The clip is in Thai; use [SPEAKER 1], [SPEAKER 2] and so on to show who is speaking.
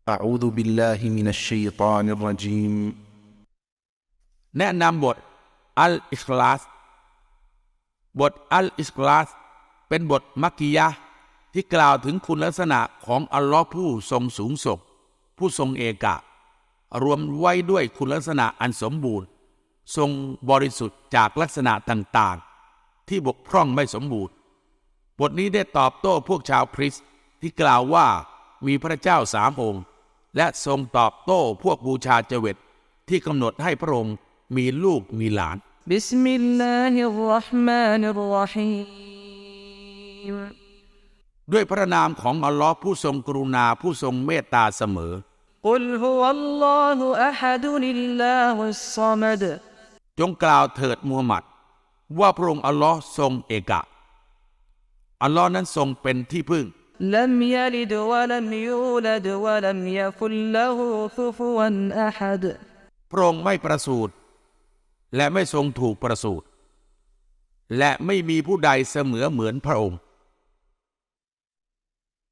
[SPEAKER 1] أعوذ بالله من الشيطان الرجيم
[SPEAKER 2] แนะนำบทอัลอิคลาสบทอัลอิคลาสเป็นบทมักกิยะห์ที่กล่าวถึงคุณลักษณะของอัลลอฮ์ผู้ทรงสูงส่งผู้ทรงเอกะรวมไว้ด้วยคุณลักษณะอันสมบูรณ์ทรงบริสุทธิ์จากลักษณะต่างๆที่บกพร่องไม่สมบูรณ์บทนี้ได้ตอบโต้พวกชาวคริสต์ที่กล่าวว่ามีพระเจ้าสามองค์และทรงตอบโต้พวกบูชาเจวิตที่กำหนดให้พระองค์มีลูกมีหลาน
[SPEAKER 3] บิสมิลลาฮิรเราะห์มานิรเราะฮีม
[SPEAKER 2] ด้วยพระนามของอัลลอฮ์ผู้ทรงกรุณาผู้ทรงเมตตาเสมอ
[SPEAKER 3] กุลฮุวัลลอฮุอะฮัดุลิลลาฮุศศอมัด
[SPEAKER 2] จงกล่าวเถิดมูฮัมหมัดว่าพระองค์อัลลอฮ์ทรงเอกะอัลลอฮ์นั้นทรงเป็นที่พึ่ง
[SPEAKER 3] ลัมยะลิดวะลัมยูลัดวะลัมยะกุลละฮูคุฟุวันอะฮัด
[SPEAKER 2] พระองค์ไม่ประสูติและไม่ทรงถูกประสูติและไม่มีผู้ใดเสมอเหมือนพระองค์